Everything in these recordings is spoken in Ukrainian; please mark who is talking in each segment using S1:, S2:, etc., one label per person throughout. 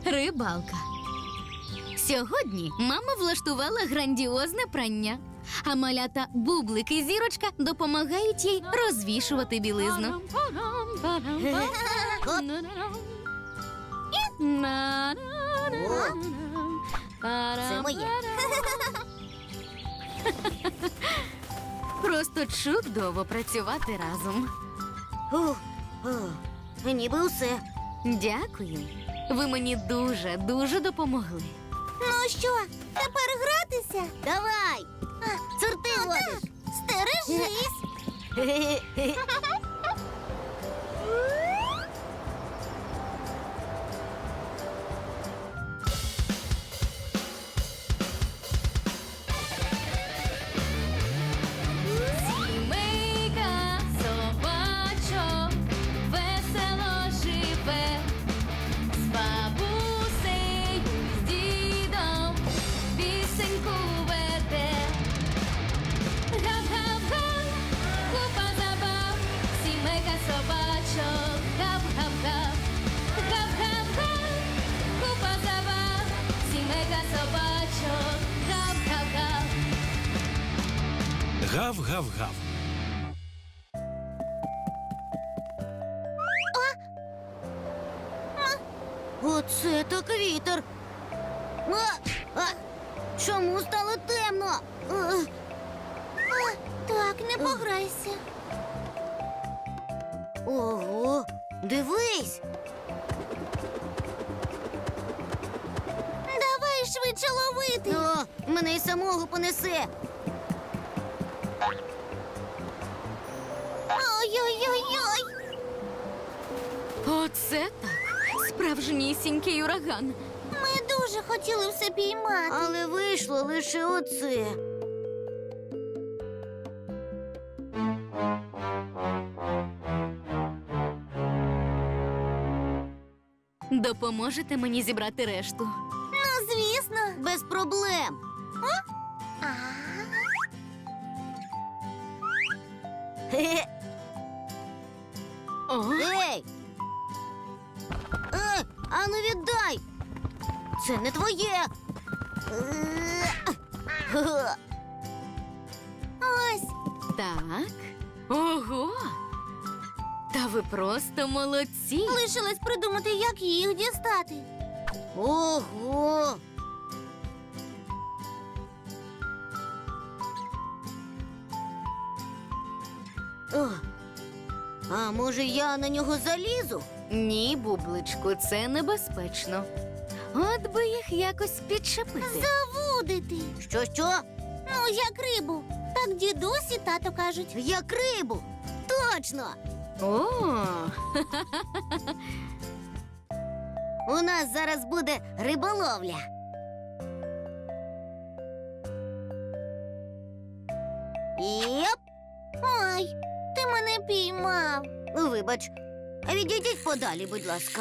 S1: Рибалка. Сьогодні мама влаштувала грандіозне прання, а малята Бублик і Зірочка допомагають їй розвішувати білизну.
S2: Це моє.
S1: Просто чудово працювати разом.
S2: Ніби усе.
S1: Дякую. Ви мені дуже допомогли.
S2: Ну що, тепер гратися? Давай. Сорти водиш. Стережись.
S1: Сімейка собачок весело живе, з бабусею, з дідом пісеньку веде. Гап-гап-га, купа забав, сімейка собачок, гап-гап-га. Гап-гап-га, купа забав, сімейка собачок, гап-гап-га.
S3: Гав-гав-гав.
S2: Оце так вітер. Чому стало темно? Так, не пограйся. Ого, дивись. Давай швидше ловити. О, мене й самого понесе. Ой-ой-ой-ой.
S1: Оце так. Справжнісінький ураган.
S2: Ми дуже хотіли все піймати. Але вийшло лише оце.
S1: Допоможете мені зібрати решту?
S2: Ну, звісно. Без проблем.
S1: О,
S2: Ей! Ану віддай! Це не твоє! Ось!
S1: так. Ого! Та ви просто молодці.
S2: Лишилось придумати, як їх дістати. Ого! О, а може я на нього залізу?
S1: Ні, Бубличку, це небезпечно. От би їх якось підчепити.
S2: Завудити. Що? Ну, як рибу. Так дідусь і тато кажуть. Як рибу. Точно.
S1: О,
S2: У нас зараз буде риболовля. Йоп! Ой, ти мене піймав. Вибач, відійдіть подалі, будь ласка.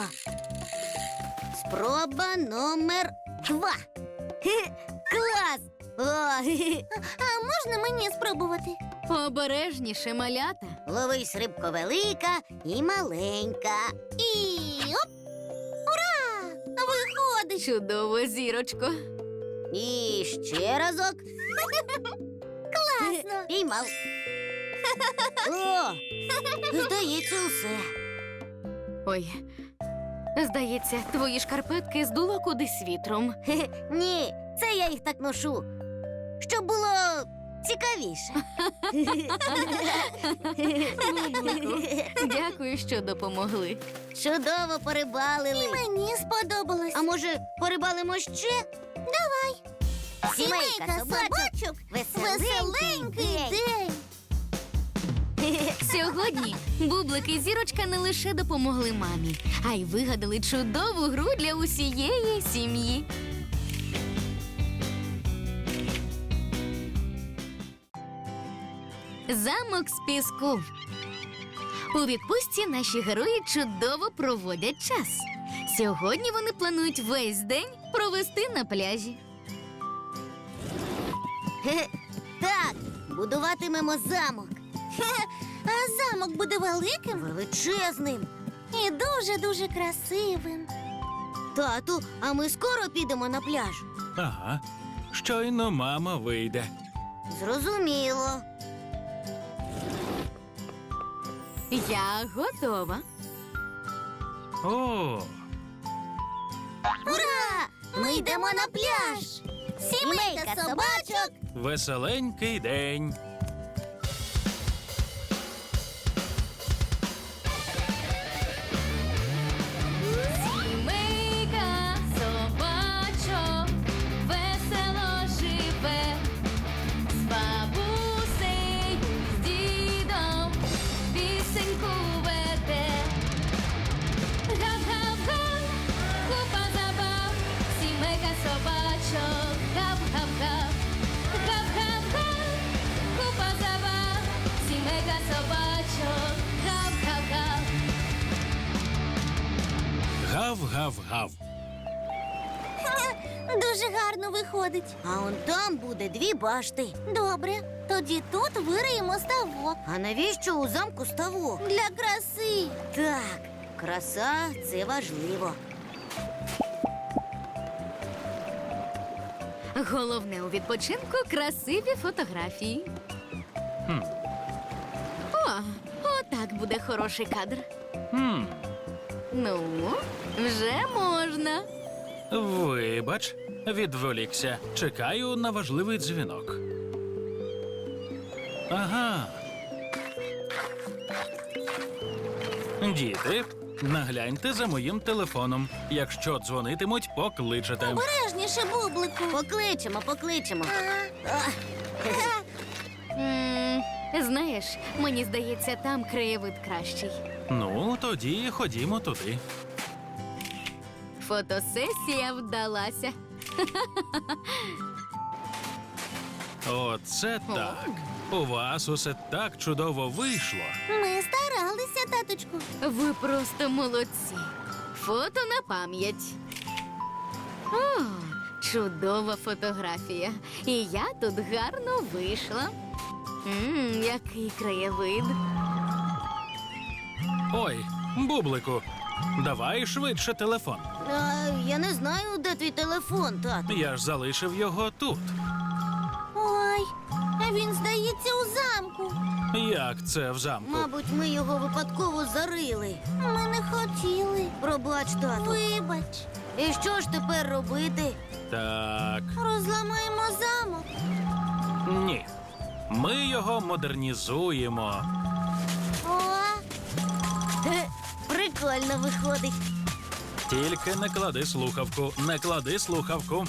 S2: Спроба номер 2. Клас! А можна мені спробувати?
S1: обережніше, малята.
S2: Ловись, рибко велика і маленька. І оп! Ура! Виходить!
S1: Чудово, Зірочко.
S2: І ще разок. Класно! Піймав. О! Здається, усе.
S1: Ой, здається, твої шкарпетки здуло кудись вітром.
S2: Ні, це я їх так ношу, щоб було цікавіше.
S1: Бублику, дякую, що допомогли.
S2: Чудово порибалили. І мені сподобалось. А може, порибалимо ще? Давай. Сімейка собачок. Веселенький день.
S1: Сьогодні Бублик і Зірочка не лише допомогли мамі, а й вигадали чудову гру для усієї сім'ї. Замок з піску. У відпустці наші герої чудово проводять час. Сьогодні вони планують весь день провести на пляжі.
S2: Так, будуватимемо замок. А замок буде великим? Величезним. І дуже-дуже красивим. Тату, а ми скоро підемо на пляж.
S3: Ага. Щойно мама вийде.
S2: Зрозуміло.
S1: Я готова.
S3: О,
S2: Ура! Ми йдемо на пляж! Сімейка собачок!
S3: веселенький день.
S1: Сімейка собачок весело живе, з бабусею, з дідом пісеньку веде. Гав-гав-га, купа забав, сімейка собачок, гав-гав-гав. Гав-гав-га, купа забав, сімейка собачок, гав-гав-гав.
S3: Гав-гав-гав.
S2: Дуже гарно виходить. А он там буде 2 башти. Добре, тоді тут вириємо ставок. А навіщо у замку ставок? Для краси. Так, краса це важливо.
S1: Головне у відпочинку красиві фотографії.
S3: Хм.
S1: О, отак буде хороший кадр.
S3: Хм.
S1: Ну, вже можна.
S3: Вибач, відволікся. Чекаю на важливий дзвінок. Ага. Діти, нагляньте за моїм телефоном. Якщо дзвонитимуть, покличете.
S2: Обережніше, бублику. Покличемо.
S1: Знаєш, мені здається, там краєвид кращий.
S3: Ну, тоді ходімо туди.
S1: Фотосесія вдалася.
S3: Оце так. У вас усе так чудово вийшло.
S2: Ми старалися, таточку.
S1: Ви просто молодці. Фото на пам'ять. О, чудова фотографія. І я тут гарно вийшла. Який краєвид.
S3: Ой, бублику, давай швидше телефон.
S2: Я не знаю, де твій телефон, тату.
S3: Я ж залишив його тут.
S2: Ой, він, здається, у замку.
S3: Як це в замку?
S2: Мабуть, ми його випадково зарили. Ми не хотіли. Пробач, тату. Вибач. І що ж тепер робити?
S3: Так,
S2: Розламаємо замок.
S3: ні. Ми його модернізуємо.
S2: О, прикольно виходить.
S3: Тільки не клади слухавку, не клади слухавку.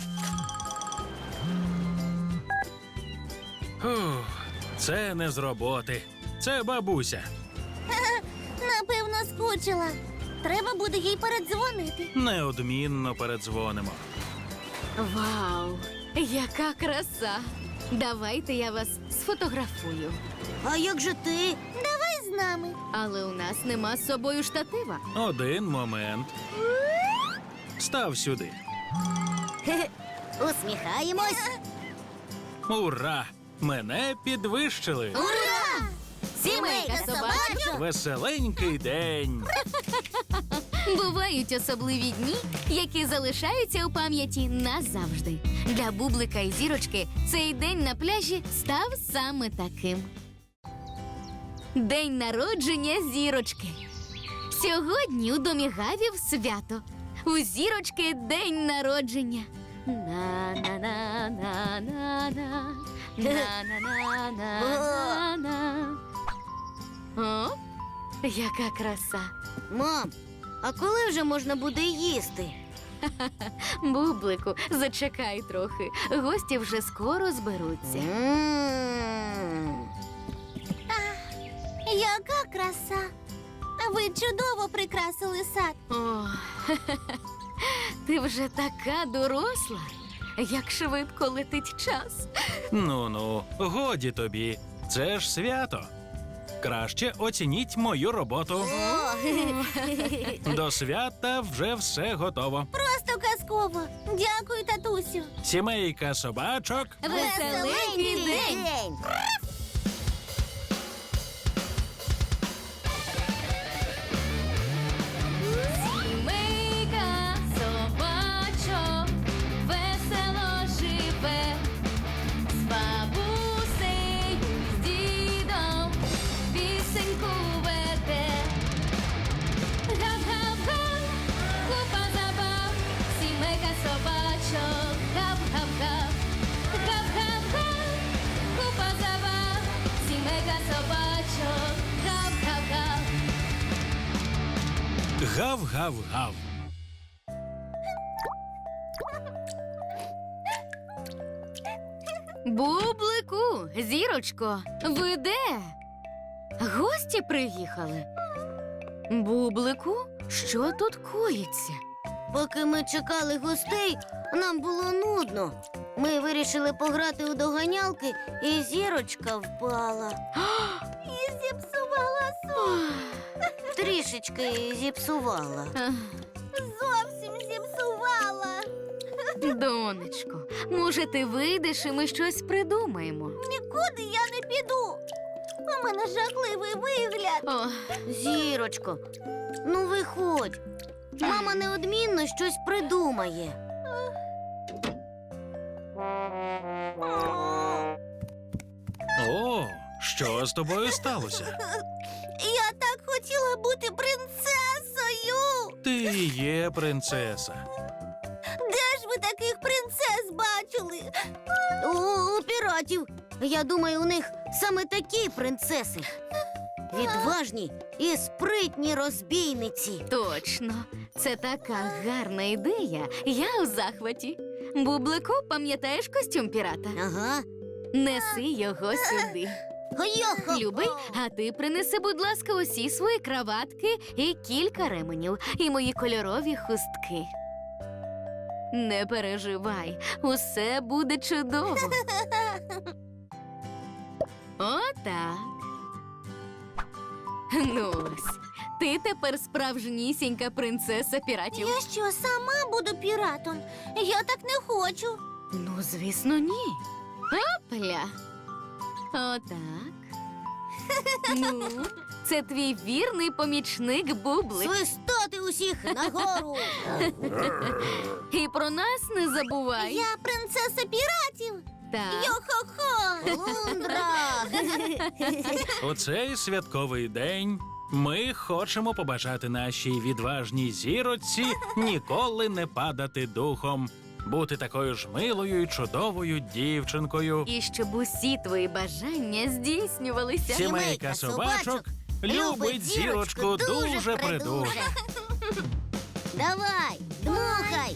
S3: Фух, це не з роботи. Це бабуся.
S2: Напевно, скучила. Треба буде їй передзвонити.
S3: Неодмінно передзвонимо.
S1: Вау, яка краса! Давайте я вас сфотографую.
S2: А як же ти? Давай з нами.
S1: Але у нас нема з собою штатива.
S3: Один момент. Став сюди.
S2: Усміхаємось.
S3: Ура! Мене підвищили.
S2: Ура! Сімейка собачок.
S3: Веселенький день.
S1: Бувають особливі дні, які залишаються у пам'яті назавжди. Для Бублика і Зірочки цей день на пляжі став саме таким. День народження Зірочки. Сьогодні у домі Гавів свято. У Зірочки день народження. На-на-на-на-на-на. На-на-на-на-на-на. О, яка краса.
S2: Мам, а коли вже можна буде їсти?
S1: Бублику, зачекай трохи. Гості вже скоро зберуться.
S2: Яка краса! Ви чудово прикрасили сад.
S1: О, ти вже така доросла. Як швидко летить час.
S3: Ну-ну, годі тобі. Це ж свято. Краще оцініть мою роботу. До свята вже все готово.
S2: Просто казково. Дякую, татусю.
S3: Сімейка собачок.
S1: Веселенький день! Сімейка собачок
S3: гав-гав.
S1: Бублику, зірочко, ви де? Гості приїхали. Бублику, що тут коїться?
S2: Поки ми чекали гостей, нам було нудно. Ми вирішили пограти у доганялки, і зірочка впала. І зіпсувала сон. Трішечки зіпсувала.
S1: Ех,
S2: Зовсім зіпсувала.
S1: Донечко, може, ти вийдеш і ми щось придумаємо?
S2: Нікуди я не піду. У мене жахливий вигляд.
S1: О,
S2: Зірочко, ну виходь. Мама неодмінно щось придумає.
S3: О, що з тобою сталося?
S2: Я так хотіла бути принцесою.
S3: Ти і є принцеса.
S2: Де ж ви таких принцес бачили? У піратів. Я думаю, у них саме такі принцеси. Відважні і спритні розбійниці.
S1: точно, це така гарна ідея. Я у захваті. Бублику, пам'ятаєш костюм пірата?
S2: Ага.
S1: Неси його сюди.
S2: Йо-хо-хо.
S1: Любий, а ти принеси, будь ласка, усі свої краватки і кілька ременів, і мої кольорові хустки. Не переживай, усе буде чудово. Отак. Ну ось, ти тепер справжнісінька принцеса піратів.
S2: Я що, сама буду піратом? Я так не хочу.
S1: Ну, звісно, ні. Опля. Отак. Ну, це твій вірний помічник Бублик.
S2: Свистати усіх нагору.
S1: І про нас не забувай.
S2: Я принцеса піратів.
S1: Так.
S2: Йо-хо-хо. Лундра.
S3: У цей святковий день ми хочемо побажати нашій відважній зіроці ніколи не падати духом, бути такою ж милою і чудовою дівчинкою.
S1: І щоб усі твої бажання здійснювалися.
S3: Сімейка собачок любить зірочку дуже придуже.
S2: Давай, дмухай.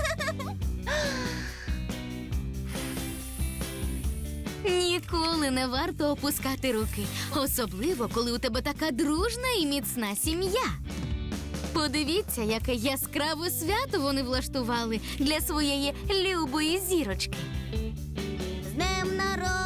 S1: Ніколи не варто опускати руки, особливо, коли у тебе така дружна і міцна сім'я. Подивіться, яке яскраве свято вони влаштували для своєї любої зірочки.
S2: З днем народження.